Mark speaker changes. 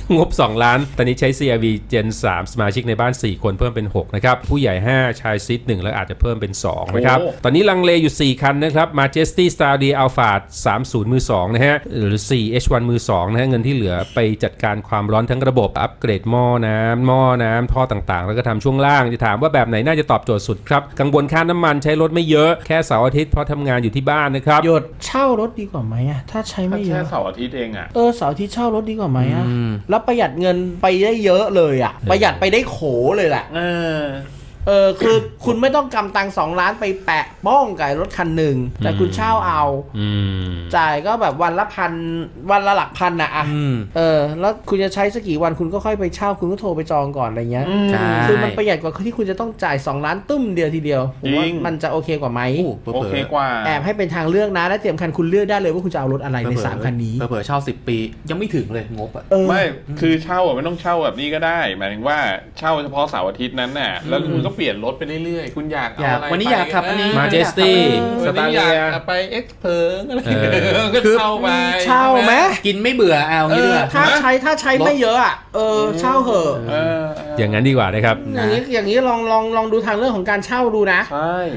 Speaker 1: งบ2ล้านตอนนี้ใช้ CR-V Gen 3 สมาชิกในบ้าน4คนเพิ่มเป็น6นะครับผู้ใหญ่5ชายซิด1แล้วอาจจะเพิ่มเป็น2นะครับตอนนี้ลังเลอยู่4คันนะครับ Majesty Star-D Alphard 30 มือ2นะฮะหรือ4 H1 มือ2นะฮะเงินที่เหลือไปจัดการความร้อนทั้งระบบอัปเกรดหม้อน้ำท่อต่างๆแล้วก็ทำช่วงล่างจะถามว่าแบบไหนน่าจะตอบโจทย์สุดครับกังวลค่าน้ำมันใช้รถไม่เยอะแค่เสาร์อาทิตย์เพราะทำงานอยู่ที่บ้านนะครับ
Speaker 2: หยดเช่ารถดีกว่าไหมอะถ้าใช้ไม่เย
Speaker 3: แค่
Speaker 2: อะ
Speaker 3: เสาร์อาทิตย์เองอ่ะ
Speaker 2: เสาร์อาทิตย์เช่ารถดีกว่าไหมอะแล้วประหยัดเงินไปได้เยอะเลยอะประหยัดไปได้โขเลยแหละคือคุณไม่ต้องกำตัง2 ล้านไปแปะบ้องกับรถคันหนึ่งแต่คุณเช่าเอาจ่ายก็แบบวันละ1,000วันละหลักพันนะอะแล้วคุณจะใช้สักกี่วันคุณก็ค่อยไปเช่าคุณก็โทรไปจองก่อนอะไรเงี้ยคือมันประหยัดกว่าที่คุณจะต้องจ่าย2 ล้านตุ้มเดียวทีเดียวผมว่ามันจะโอเคกว่าไหม
Speaker 3: โอเคกว่า
Speaker 2: แอบให้เป็นทางเลือกนะและเตรียมคันคุณเลือกได้เลยว่าคุณจะเอารถอะไรใน3คันนี้
Speaker 4: เผื่อเช่า10 ปียังไม่ถึงเลยงบอ่ะ
Speaker 3: ไม่คือเช่าไม่ต้องเช่าแบบนี้ก็ได้หมายถึงว่าเช่าเฉพาะเสาร์อาทิตย์นั้นน่ะแล้วคุณก็เปลี่ยนรถไปเรื่อยๆคุณอยากเอาอะไร
Speaker 4: วันนี้อยากขับอันนี้
Speaker 1: Majesty
Speaker 3: วันนี้อยากไปเอ็กซ์เพิร์อะไรก็เช่าไป
Speaker 2: เช่าไหม
Speaker 4: กินไม่เบื่อเอางี้ด้วย
Speaker 2: ถ้าใช้ไม่เยอะอ่ะเช่าเหอะ
Speaker 1: อย่างนั้นดีกว่านะครับ
Speaker 2: อย่างนี้ลองดูทางเรื่องของการเช่าดูนะ
Speaker 3: ใช่